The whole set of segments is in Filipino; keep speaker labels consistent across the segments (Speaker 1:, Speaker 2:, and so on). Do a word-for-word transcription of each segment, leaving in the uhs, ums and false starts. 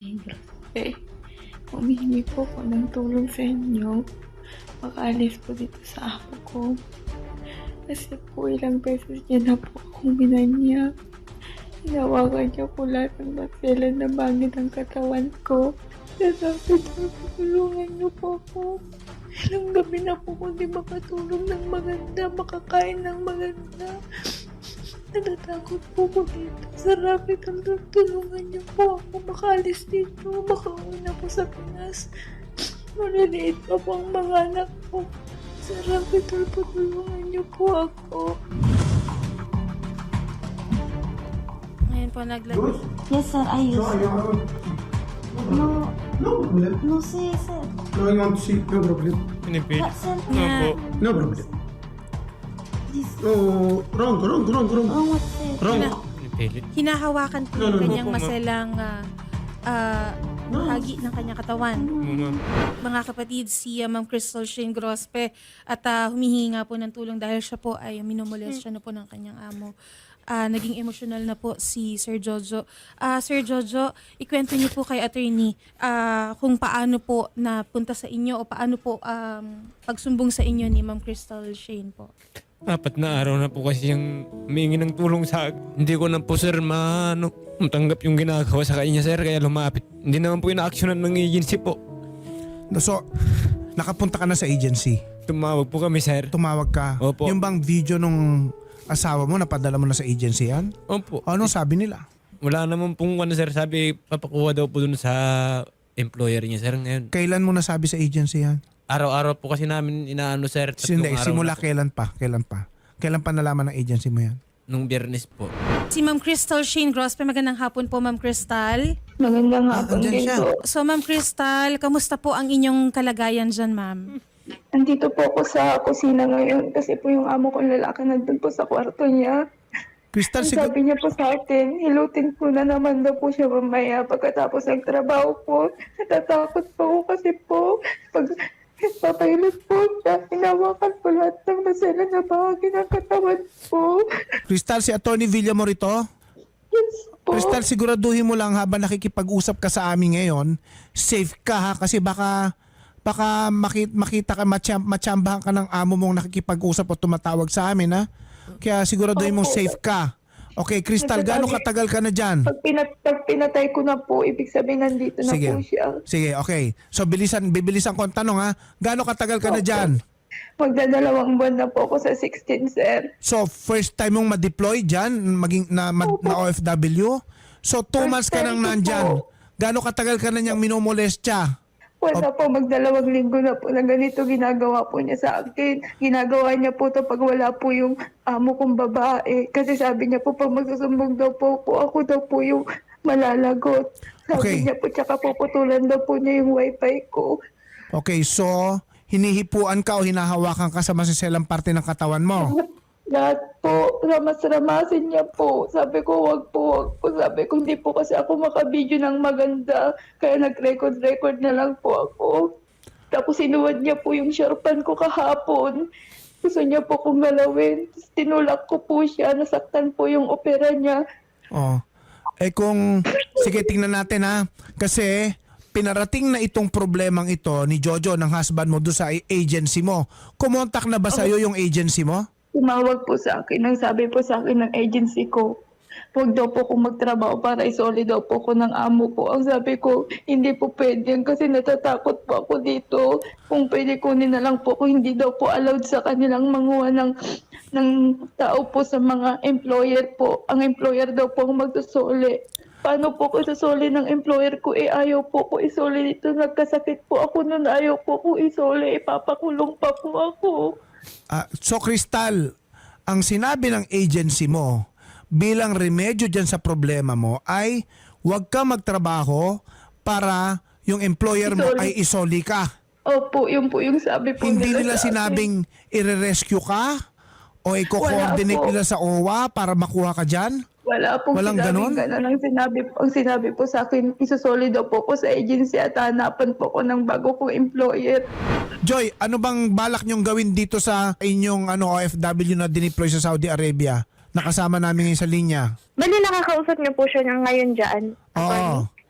Speaker 1: Eh, humihingi po ako ng tulong sa inyo. Makaalis po dito sa ako ko. Kasi po ilang beses niya na po akong binanya. Hinawakan niya po lahat ng maselan na bangit ang katawan ko. Kaya sabi niya, tulungan niyo po ako. Ilang gabi na po kung di makatulog ng maganda, makakain ng maganda. Natatakot po ko dito sa rapid ang tulungan niyo po ako makaalis dito, makauwi na po sa Pinas. Maliliit pa po ang mga anak ko. Sa rapid po tulungan niyo po ako.
Speaker 2: Ngayon po naglag...
Speaker 3: Yes, sir. I use.
Speaker 4: No, you have
Speaker 3: No,
Speaker 4: no problem.
Speaker 3: no, sir, sir.
Speaker 4: No, I want to see. No problem.
Speaker 5: Pinipil.
Speaker 3: But, sir,
Speaker 5: No po.
Speaker 4: No problem.
Speaker 3: this
Speaker 4: No, wrong, wrong, wrong, wrong.
Speaker 3: wrong what, sir?
Speaker 4: Wrong.
Speaker 5: Pinipilit.
Speaker 2: Hinahawakan po
Speaker 4: No, no,
Speaker 2: yung
Speaker 4: no.
Speaker 2: kanyang
Speaker 5: Opo, ma'am.
Speaker 2: maselang ah, ah, hagi ng kanyang katawan.
Speaker 5: Oo, ma'am.
Speaker 2: Mga kapatid, si ah, Ma'am Crystal Shane Grospe at ah, humihingi nga po ng tulong dahil siya po ay minumulest siya na po ng kanyang amo. Ah, naging emotional na po si Sir Jojo. Ah, Sir Jojo, ikwento niyo po kay attorney ah, kung paano po napunta sa inyo o paano po um, pagsumbong sa inyo ni Ma'am Crystal Shane po.
Speaker 5: Apat na araw na po kasi yung humingi ng tulong sa akin. Hindi ko na po sir maano, matanggap yung ginagawa sa kanya sir kaya lumapit. Hindi naman po ina-actionan ng agency po.
Speaker 6: No, so, nakapunta ka na sa agency.
Speaker 5: Tumawag po kami sir.
Speaker 6: Tumawag ka.
Speaker 5: Opo.
Speaker 6: Yung bang video nung asawa mo, napadala mo na sa agency yan?
Speaker 5: Opo.
Speaker 6: Ano sabi nila?
Speaker 5: Wala naman pong ano sir, sabi papakuha daw po dun sa employer niya sir ngayon.
Speaker 6: Kailan mo nasabi sa agency yan?
Speaker 5: Araw-araw po kasi namin inaano sir. tatlong
Speaker 6: Hindi,
Speaker 5: araw
Speaker 6: simula
Speaker 5: na po.
Speaker 6: kailan pa? Kailan pa? Kailan pa nalaman ng agency mo yan?
Speaker 5: Nung Biyernes po.
Speaker 2: Si Ma'am Crystal Shane Grospe, magandang hapon po Ma'am Crystal.
Speaker 1: Magandang hapon
Speaker 6: andyan
Speaker 1: din
Speaker 6: siya.
Speaker 1: po.
Speaker 2: So Ma'am Crystal, kamusta po ang inyong kalagayan dyan ma'am?
Speaker 1: Andito po ako sa kusina ngayon kasi po yung amo kong lalaki nandun po sa kwarto niya.
Speaker 6: Crystal,
Speaker 1: Ang
Speaker 6: siguro...
Speaker 1: sabi niya po sa akin, hilutin ko na naman daw po siya mamaya pagkatapos ng trabaho po. Natatakot po ako kasi po, pag papahilot po siya, hinawakan po lahat ng masela na bahagi ng katawan po.
Speaker 6: Crystal, si Attorney Villamor ito?
Speaker 1: Yes po.
Speaker 6: Crystal, siguraduhin mo lang habang nakikipag-usap ka sa amin ngayon, safe ka ha kasi baka baka makita, makita ka, macham, machambahan ka ng amo mong nakikipag-usap o tumatawag sa amin ha. Kaya siguraduhin mong safe ka. Okay, Crystal, gaano katagal ka na dyan?
Speaker 1: Pag, pinat pag pinatay ko na po, ibig sabihin nandito na
Speaker 6: Sige.
Speaker 1: po siya.
Speaker 6: Sige, okay. So bilisan, bibilisan ko ang tanong ha. Gaano katagal ka na dyan?
Speaker 1: Magdadalawang buwan na po ako sa sixteen, sir.
Speaker 6: So first time mong ma-deploy dyan, maging na, ma- na O F W? So two
Speaker 1: First
Speaker 6: months ka
Speaker 1: time
Speaker 6: nang
Speaker 1: ko
Speaker 6: nandyan.
Speaker 1: po.
Speaker 6: Gaano katagal ka na niyang minomolestya?
Speaker 1: Wala po, magdalawang linggo na po na ganito ginagawa po niya sa akin. Ginagawa niya po to pag wala po yung amo kong babae. Kasi sabi niya po, pag magsusumbong daw po, po ako daw po yung malalagot. Sabi
Speaker 6: Okay.
Speaker 1: niya po, tsaka puputulan daw po niya yung wifi ko.
Speaker 6: Okay, so hinihipuan ka o hinahawakan ka sa masiselang parte ng katawan mo.
Speaker 1: Lahat po, ramas-ramasin niya po. Sabi ko, wag po, wag po. Sabi ko, hindi po kasi ako makabidyo ng maganda. Kaya nag-record-record na lang po ako. Tapos sinuwad niya po yung sharpan ko kahapon. Gusto niya po kong galawin. Tapos tinulak ko po siya. Nasaktan po yung opera niya.
Speaker 6: Oh. Eh kung, sige tingnan natin ha. Kasi pinarating na itong problemang ito ni Jojo ng husband mo doon sa agency mo. Kumontak na ba sa'yo yung agency mo?
Speaker 1: Tumawag po sa akin. Ang sabi po sa akin ng agency ko, huwag daw po kong magtrabaho para isoli daw po ko ng amo ko. Ang sabi ko, hindi po pwede yan kasi natatakot po ako dito. Kung pwede kunin na lang po kung hindi daw po allowed sa kanilang manguha ng, ng tao po sa mga employer po. Ang employer daw po ang magsusoli. Paano po ko isasoli ng employer ko? Eh ayaw po ko isoli dito. Nagkasakit po ako nun. Ayaw po ko isoli. Ipapakulong pa po ako.
Speaker 6: Ah, so Crystal, ang sinabi ng agency mo bilang remedyo dyan sa problema mo ay huwag ka magtrabaho para yung employer mo
Speaker 1: Isoli.
Speaker 6: ay isoli ka.
Speaker 1: Opo, yun po yung sabi po
Speaker 6: Hindi nila
Speaker 1: sa akin.
Speaker 6: sinabing i-rescue ka o i-coordinate
Speaker 1: Wala po.
Speaker 6: nila sa O W A para makuha ka dyan?
Speaker 1: Wala pong
Speaker 6: Walang
Speaker 1: sinabing
Speaker 6: ganon?
Speaker 1: ganon. Ang sinabi, ang sinabi po sa akin, isusoli daw po ko sa agency at hanapan po ko ng bago kong employer.
Speaker 6: Joy, ano bang balak nyong gawin dito sa inyong ano, O F W na dineploy sa Saudi Arabia? Nakasama namin ngayon sa linya.
Speaker 7: Bali, nakakausap niyo po siya ng ngayon dyan.
Speaker 6: Oo.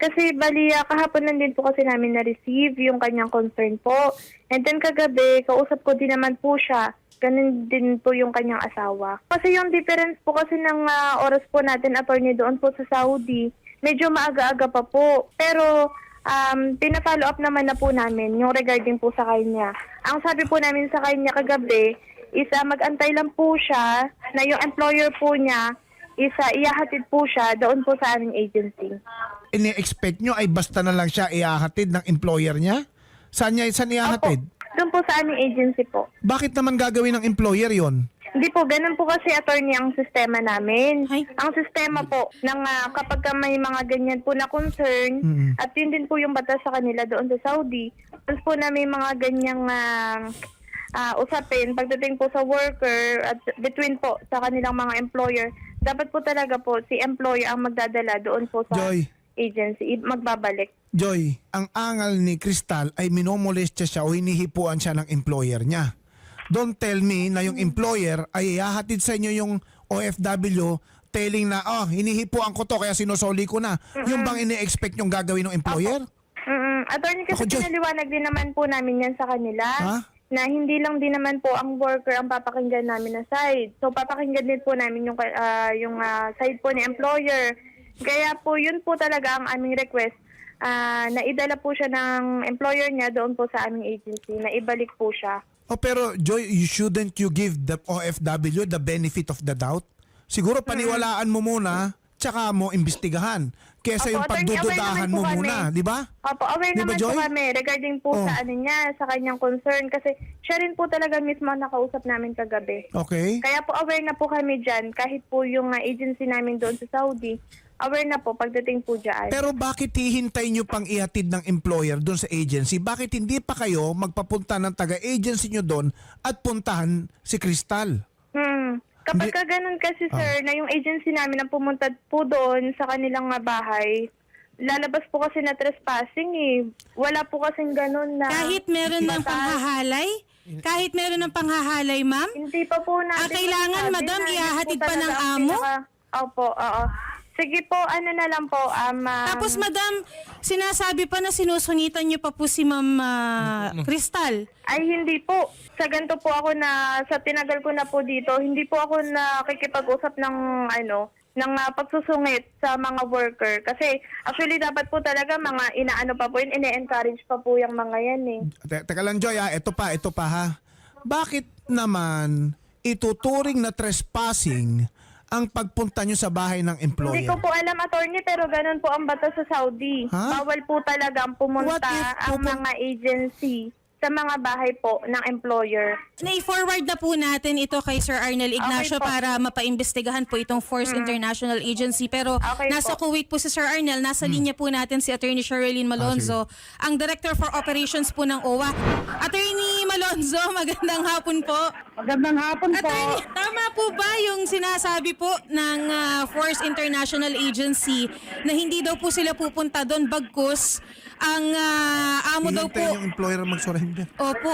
Speaker 1: Kasi bali, ah, kahapon lang din po kasi namin na-receive yung kanyang concern po. And then kagabi, kausap ko din naman po siya. Ganun din po yung kanyang asawa. Kasi yung difference po kasi ng ah, oras po natin, attorney, doon po sa Saudi, medyo maaga-aga pa po. Pero um, pina-follow up naman na po namin yung regarding po sa kanya. Ang sabi po namin sa kanya kagabi is ah, mag-antay lang po siya na yung employer po niya is ah, ihahatid po siya doon po sa aming agency.
Speaker 6: Ini-expect nyo ay basta na lang siya ihahatid ng employer niya? Saan niya saan ihahatid?
Speaker 1: Doon po sa aming agency po.
Speaker 6: Bakit naman gagawin ng employer yon?
Speaker 1: Hindi po, ganun po kasi, attorney, ang sistema namin.
Speaker 2: Ay.
Speaker 1: Ang sistema po, ng, ah, kapag ka may mga ganyan po na concern,
Speaker 6: Mm.
Speaker 1: at yun din po yung batas sa kanila doon sa Saudi, tapos po na may mga ganyang ah, ah, usapin, pagdating po sa worker, at between po sa kanilang mga employer, dapat po talaga po si employer ang magdadala doon po sa
Speaker 6: Joy.
Speaker 1: agency, i- magbabalik.
Speaker 6: Joy, ang angal ni Crystal ay minomolestya siya o hinihipuan siya ng employer niya. Don't tell me na yung employer ay ihahatid sa inyo yung O F W telling na, oh, hinihipuan ko to kaya sinusoli ko na. Yung bang ini-expect yung gagawin ng employer?
Speaker 1: Mm-mm. Attorney, kasi
Speaker 6: Ako, Joy.
Speaker 1: pinaliwanag din naman po namin yan sa kanila.
Speaker 6: Ha?
Speaker 1: Na hindi lang din naman po ang worker ang papakinggan namin na side. So papakinggan din po namin yung ah, yung ah, side po ni employer. Kaya po yun po talaga ang aming request. Ah, na idala po siya ng employer niya doon po sa aming agency, na ibalik po siya.
Speaker 6: Oh, pero Joy, you shouldn't you give the O F W the benefit of the doubt? Siguro paniwalaan mo muna, tsaka mo imbestigahan. Kesa
Speaker 1: Opo,
Speaker 6: yung
Speaker 1: attorney, aware
Speaker 6: pagdududahan
Speaker 1: naman
Speaker 6: mo
Speaker 1: po kami.
Speaker 6: muna, di ba?
Speaker 1: Opo, aware
Speaker 6: Di ba,
Speaker 1: naman
Speaker 6: Joy?
Speaker 1: po kami regarding po
Speaker 6: Oh.
Speaker 1: sa ano niya, sa kanyang concern. Kasi siya rin po talaga mismo ang nakausap namin kagabi.
Speaker 6: Okay.
Speaker 1: Kaya po aware na po kami dyan, kahit po yung ah, agency namin doon sa Saudi, aware na po pagdating po dyan.
Speaker 6: Pero bakit hihintay nyo pang ihatid ng employer doon sa agency? Bakit hindi pa kayo magpapunta ng taga-agency nyo doon at puntahan si Crystal?
Speaker 1: Hmm. Kapag
Speaker 6: Hindi-
Speaker 1: ka ganun kasi,
Speaker 6: Ah.
Speaker 1: sir, na yung agency namin ang pumunta po doon sa kanilang ah, bahay, lalabas po kasi na trespassing eh. Wala po kasing ganun na...
Speaker 2: Kahit meron ng
Speaker 1: batas.
Speaker 2: panghahalay? Kahit meron ng panghahalay, ma'am?
Speaker 1: Hindi pa po natin...
Speaker 2: Ah, kailangan,
Speaker 1: masabi
Speaker 2: madam,
Speaker 1: na yun
Speaker 2: ihahatid
Speaker 1: po
Speaker 2: pa ng
Speaker 1: talaga ang
Speaker 2: amo?
Speaker 1: pinaka- Opo, oo. Sige po, ano na lang po, um, um,
Speaker 2: Tapos, madam, sinasabi pa na sinusungitan niyo pa po si Ma'am ah, Crystal.
Speaker 1: ay hindi po. Sa ganito po ako na, sa tinagal ko na po dito, hindi po ako nakikipag-usap ng, ano, ng ah, pagsusungit sa mga worker. Kasi, actually, dapat po talaga mga inaano pa po yun, ine-encourage pa po yung mga yan eh.
Speaker 6: Te- teka lang Joy, ah. Ito pa, ito pa ha. Bakit naman ituturing na trespassing ang pagpunta nyo sa bahay ng
Speaker 1: Hindi
Speaker 6: employer?
Speaker 1: ko po alam, attorney, pero ganun po ang batas sa Saudi.
Speaker 6: Ha?
Speaker 1: Bawal po talaga ang pumunta
Speaker 6: What if
Speaker 1: ang
Speaker 6: pupun-
Speaker 1: mga agency sa mga bahay po ng employer.
Speaker 2: Na-forward na po natin ito kay Sir Arnel Ignacio
Speaker 1: Okay po.
Speaker 2: para mapaimbestigahan po itong Force International Agency. Pero
Speaker 1: Okay
Speaker 2: nasa
Speaker 1: po.
Speaker 2: Kuwait po si Sir Arnel, nasa linya po natin si Attorney Sherilyn Malonzo, ang Director for Operations po ng O W A. Attorney Malonzo, magandang hapon po.
Speaker 7: Magandang hapon po.
Speaker 2: Attorney, tama po ba yung sinasabi po ng ah, Force International Agency na hindi daw po sila pupunta doon bagkus ang ah, amo daw po?
Speaker 6: Hihintay yung employer mag-surrender.
Speaker 2: Opo.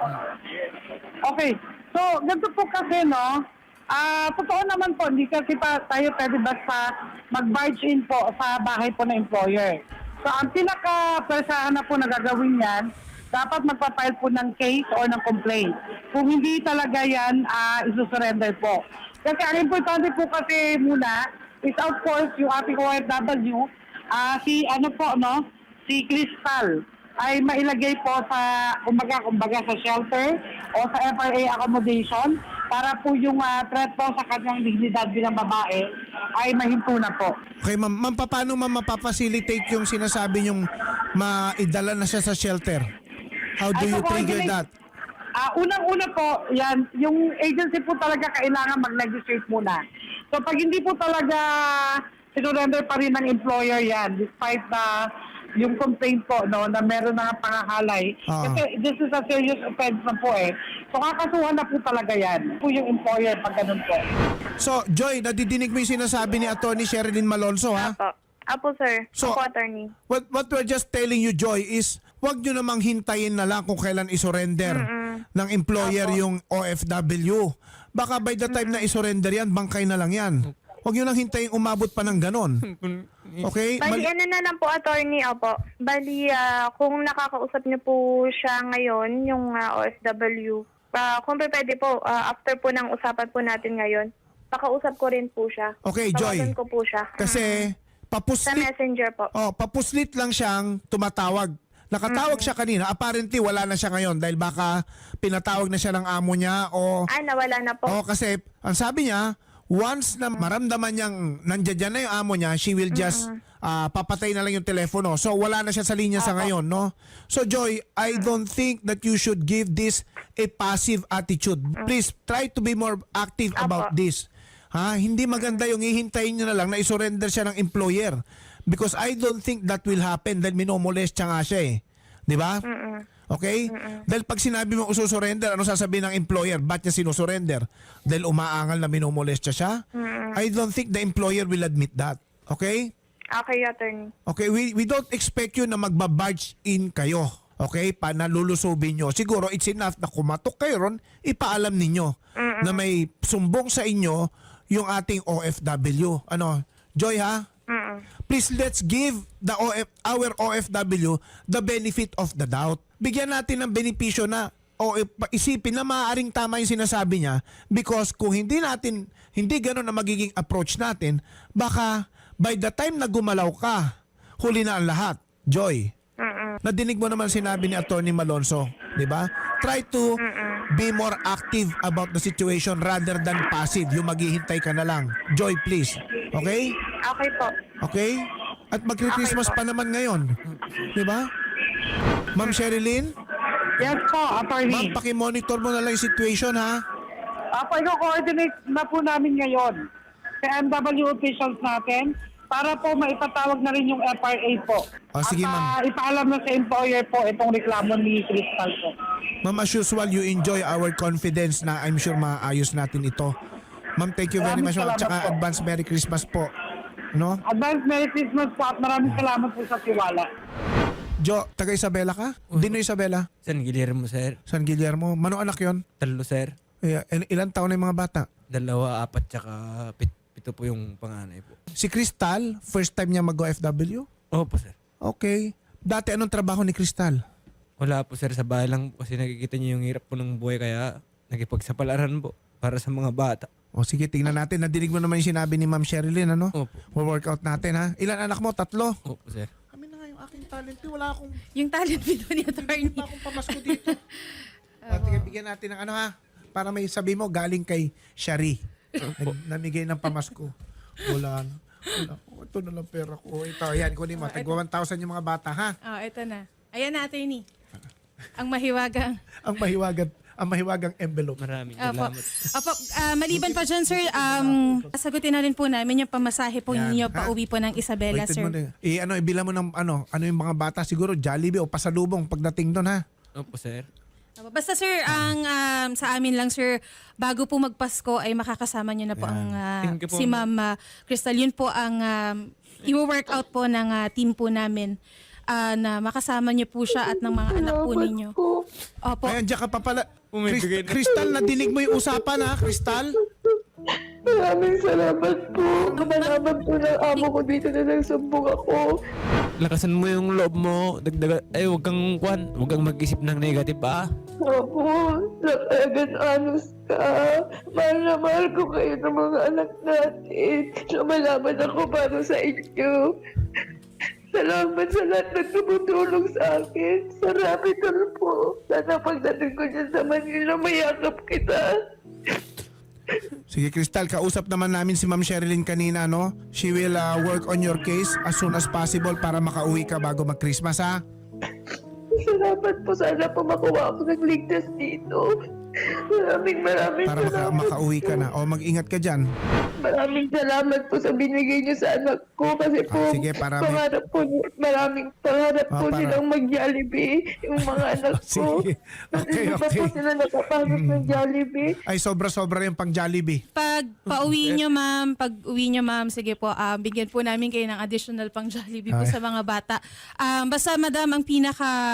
Speaker 7: Okay. So, ganito po kasi, no? Ah, totoo naman po, hindi kasi pa tayo pwede basta mag-barge in po sa bahay po ng employer. So, ang pinaka-persahan na po na gagawin yan, dapat magpa-file po ng case or ng complaint. Kung hindi talaga yan, ah, isusurrender po. Kasi ang importante po kasi muna is of course yung ating O F W, ah, si ano po, no? Si Crystal ay mailagay po sa kumbaga, kumbaga sa shelter o sa F R A accommodation para po yung ah, threat po sa kanyang dignidad bilang babae ay mahinto na po.
Speaker 6: Okay, ma'am, ma'am, pa- paano ma'am mapapacilitate yung sinasabi yung maidala na siya sa shelter? How do
Speaker 7: Ay,
Speaker 6: you
Speaker 7: so,
Speaker 6: trigger
Speaker 7: coordinate-
Speaker 6: that?
Speaker 7: Ah, unang-una po, yan, yung agency po talaga kailangan mag-negotiate muna. So pag hindi po talaga sinurrender pa rin ng employer yan, despite na yung complaint po, no, na meron na pangahalay.
Speaker 6: Ah.
Speaker 7: Kasi this is a serious offense na po eh. So kakasuhan na po talaga yan. Po yung employer pag ganun po.
Speaker 6: So, Joy, nadidinig mo yung sinasabi ni Attorney Sherilyn Malonzo, ha?
Speaker 1: Apo. Apo, sir.
Speaker 6: So-
Speaker 1: Apo, attorney.
Speaker 6: What what we're just telling you, Joy, is wag nyo namang hintayin na lang kung kailan isurrender ng employer yung O F W. Baka by the time na isurrender yan, bangkay na lang yan. Huwag nyo lang hintayin umabot pa ng ganon. Okay?
Speaker 8: Bali,
Speaker 6: Mali-
Speaker 8: ano na lang po, attorney, opo. Bali, ah, kung nakakausap niyo po siya ngayon, yung ah, O F W, ah, kung pwede po, ah, after po ng usapan po natin ngayon, pakausap ko rin po siya.
Speaker 6: Okay, Joy.
Speaker 8: Tawagan ko po siya.
Speaker 6: Kasi
Speaker 8: Sa
Speaker 6: papuslit,
Speaker 8: messenger po.
Speaker 6: oh, papuslit lang siyang tumatawag. Nakatawag siya kanina. Apparently, wala na siya ngayon dahil baka pinatawag na siya ng amo niya o...
Speaker 8: Ah, nawala na po.
Speaker 6: Oh, kasi ang sabi niya, once na maramdaman niyang nandiyan dyan na yung amo niya, she will just ah, papatay na lang yung telepono. So wala na siya sa linya sa ngayon, no? So Joy, I don't think that you should give this a passive attitude. Please try to be more active about this. Ha? Hindi maganda yung hihintayin niyo na lang na isurrender siya ng employer. Because I don't think that will happen dahil minomolest siya nga siya eh. Di ba? Okay? Dahil pag sinabi mo ususurrender, ano sasabihin ng employer? Ba't niya sinusurrender? Dahil umaangal na minomolest siya? I don't think the employer will admit that. Okay?
Speaker 8: Okay, attorney.
Speaker 6: Okay, we, we don't expect you na magbabarge in kayo. Okay? Panalulusubin nyo. Siguro it's enough na kumatok kayo ron, ipaalam ninyo na may sumbong sa inyo yung ating O F W. Ano? Joy ha? Please let's give the O F, our O F W the benefit of the doubt. Bigyan natin ng benepisyo na o eh, pa- isipin na maaaring tama yung sinasabi niya because kung hindi natin, hindi gano'n na magiging approach natin, baka by the time na gumalaw ka, huli na ang lahat. Joy, nadinig mo naman sinabi ni Attorney Malonzo, di ba? Try to be more active about the situation rather than passive. Yung maghihintay ka na lang. Joy, please. Okay?
Speaker 8: Okay po.
Speaker 6: Okay? At magkri-Christmas pa naman ngayon. Di ba? Ma'am Sherilyn,
Speaker 7: Yes po, attorney.
Speaker 6: ma'am, pakimonitor mo na lang yung situation, ha?
Speaker 7: Apo, i-coordinate na po namin ngayon sa M W officials natin para po maipatawag na rin yung F R A po.
Speaker 6: Ah, sige,
Speaker 7: At
Speaker 6: ma'am.
Speaker 7: ah, ipaalam na sa employer po itong reklamo ni Crystal po.
Speaker 6: Ma'am, as usual, you enjoy our confidence na I'm sure maayos natin ito. Ma'am, thank you very
Speaker 7: Maraming
Speaker 6: much. Ma'am.
Speaker 7: salamat
Speaker 6: Tsaka
Speaker 7: po.
Speaker 6: advance Merry Christmas po. No?
Speaker 7: Advance Merry Christmas po at maraming salamat po sa tiwala.
Speaker 6: Jo, taga Isabela ka? Dino Isabela?
Speaker 5: San Guillermo, sir.
Speaker 6: San Guillermo? Mano anak yon?
Speaker 5: Talo, sir.
Speaker 6: Eh, il- ilan taon na yung mga bata?
Speaker 5: Dalawa, apat, tsaka pit, pito po yung panganay po.
Speaker 6: Si Crystal, first time niya mag-O F W?
Speaker 5: Opo, sir.
Speaker 6: Okay. Dati anong trabaho ni Crystal?
Speaker 5: Wala po, sir. Sa bahay lang po kasi nakikita niyo yung hirap po ng buhay kaya nakipagsapalaran po para sa mga bata.
Speaker 6: O sige, tingnan natin. Nadinig mo naman yung sinabi ni Ma'am Sherilyn, ano?
Speaker 5: Opo.
Speaker 6: We'll-workout natin, ha? Ilan anak mo? Tatlo?
Speaker 5: Opo, sir.
Speaker 6: Kami na nga yung aking talent. eh. Wala akong,
Speaker 2: Yung talent video ni attorney.
Speaker 6: wala akong pamasko dito. At bigyan natin ng ano, ha? Para may sabi mo, galing kay Shari. Nag- Namigay ng pamasko. Wala na. Wala. Oh, ito na lang pera ko. Ito, yan. Kunin mo. Tagwa one thousand yung mga bata, ha?
Speaker 2: Oh, ito na. Ayan na, attorney. Ang mahiwagang.
Speaker 6: Ang mahiwagan, ang mahiwagang envelope.
Speaker 5: Maraming
Speaker 2: Opo.
Speaker 5: salamat.
Speaker 2: Opo, ah, maliban pa dyan, sir, um, sagutin na rin po namin yung pamasahe po
Speaker 6: Yan,
Speaker 2: ninyo
Speaker 6: ha?
Speaker 2: pa uwi po ng Isabela,
Speaker 6: Waited
Speaker 2: sir.
Speaker 6: mo na. Eh, ano, ibila mo ng ano, ano yung mga bata. Siguro Jollibee o pasalubong pagdating doon, ha?
Speaker 5: Opo, sir.
Speaker 2: Opo, basta sir, ang um, sa amin lang, sir, bago po magpasko ay makakasama niyo na po
Speaker 6: Yan.
Speaker 2: ang ah,
Speaker 5: Thank you po,
Speaker 2: si
Speaker 5: ma'am.
Speaker 2: Ma'am ah, Crystal. Yun po ang um, i-workout po ng ah, team po namin ah, na makasama niyo po siya at ng mga anak po ninyo. Opo.
Speaker 6: Ayan, diyan ka pa pala.
Speaker 5: Umibigay
Speaker 6: Chris-
Speaker 5: na.
Speaker 6: Crystal, nadinig mo yung usapan, ha? Crystal?
Speaker 1: Maraming salamat po. Kamalaman po ng amo ko dito na nagsumbong ako.
Speaker 5: Lakasan mo yung loob mo. Dagdaga, ay, huwag kang kwan. Huwag kang mag-isip ng negative, ah.
Speaker 1: Opo, nakagan anos ka. Mahal na mahal ko kayo ng mga anak natin. Lumalaban ako para sa inyo. Salamat sa lahat ng tumutulong sa akin. Sa Rapidol po. Sana pagdating ko dyan sa Manila, mayakap kita.
Speaker 6: Sige, Crystal, kausap naman namin si Ma'am Sherilyn kanina, no? She will uh, work on your case as soon as possible para makauwi ka bago mag-Christmas, ha?
Speaker 1: Salamat po. Sana po makuha ako ng ligtas dito. Maraming maraming
Speaker 6: Para maka-
Speaker 1: salamat
Speaker 6: makauwi ka
Speaker 1: po.
Speaker 6: na. O, mag-ingat ka dyan.
Speaker 1: Maraming salamat po sa binigay niyo sa anak ko kasi po
Speaker 6: Ah, sige, para may-
Speaker 1: pangarap po ni- maraming pangarap
Speaker 6: Ah,
Speaker 1: po
Speaker 6: para-
Speaker 1: nilang mag-Jollibee yung mga anak ko.
Speaker 6: Sige. Okay,
Speaker 1: Hindi pa po
Speaker 6: okay.
Speaker 1: sila nakapasok ng Jollibee.
Speaker 6: Ay, sobra-sobra yung pang Jollibee.
Speaker 2: Pag pauwi nyo, ma'am, pag uwi nyo, ma'am, sige po, ah, bigyan po namin kayo ng additional pang Jollibee po
Speaker 6: Ay.
Speaker 2: sa mga bata. Um, basta, madam, ang pinaka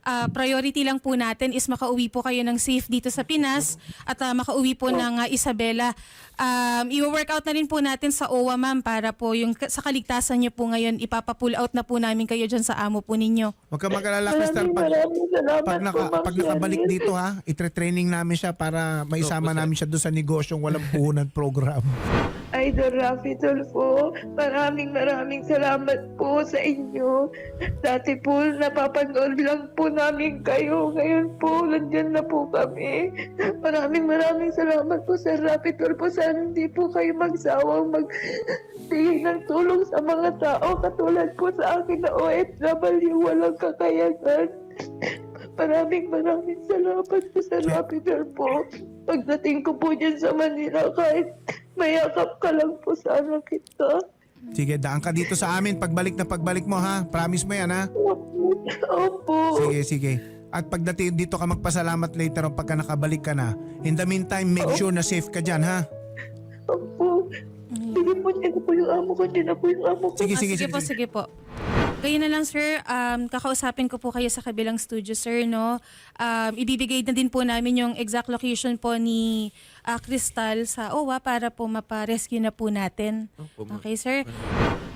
Speaker 2: ah, priority lang po natin is makauwi po kayo ng safe dito sa Pinas at ah, makauwi po ng ah, Isabela. Um, i-work out na rin po natin sa O W A, ma'am, para po yung sa kaligtasan niyo po ngayon, ipapapull out na po namin kayo dyan sa amo po ninyo.
Speaker 6: Huwag ka mag-alala, Crystal.
Speaker 1: Maraming
Speaker 6: Pag,
Speaker 1: maraming salamat
Speaker 6: pag, naka,
Speaker 1: po, Ma'am
Speaker 6: pag nakabalik
Speaker 1: Shirley.
Speaker 6: dito ha, itre-training namin siya para maisama namin siya doon sa negosyong walang puhunan program.
Speaker 1: Idol Rafi Tulfo, maraming maraming salamat po sa inyo. Dati po napapanood lang po namin kayo. Ngayon po, nandyan na po kami. Maraming maraming salamat po sa Rafi Tulfo. Sana hindi po kayo magsawang magbigay ng tulong sa mga tao katulad po sa akin na O F W walang kakayanan. Maraming maraming salamat po sa Rafi Tulfo. Pagdating ko po dyan sa Manila, kahit mayakap ka lang po sana kita.
Speaker 6: Sige, daan ka dito sa amin pagbalik na pagbalik mo ha. Promise mo yan ha.
Speaker 1: Opo.
Speaker 6: Sige, sige. At pagdating dito ka magpasalamat later on pagka nakabalik ka na. In the meantime, make sure na safe ka dyan ha.
Speaker 1: Opo. Sige po, dyan na po yung amo ko. Dyan na po yung amo ko.
Speaker 6: Sige,
Speaker 2: Ah,
Speaker 6: sige,
Speaker 2: sige,
Speaker 6: sige.
Speaker 2: po, sige po. Kayo na lang, sir. Um, kakausapin ko po kayo sa kabilang studio, sir, no? Um, ibibigay na din po namin yung exact location po ni ah, Crystal sa O W A para po mapa-rescue na po natin. Okay, sir?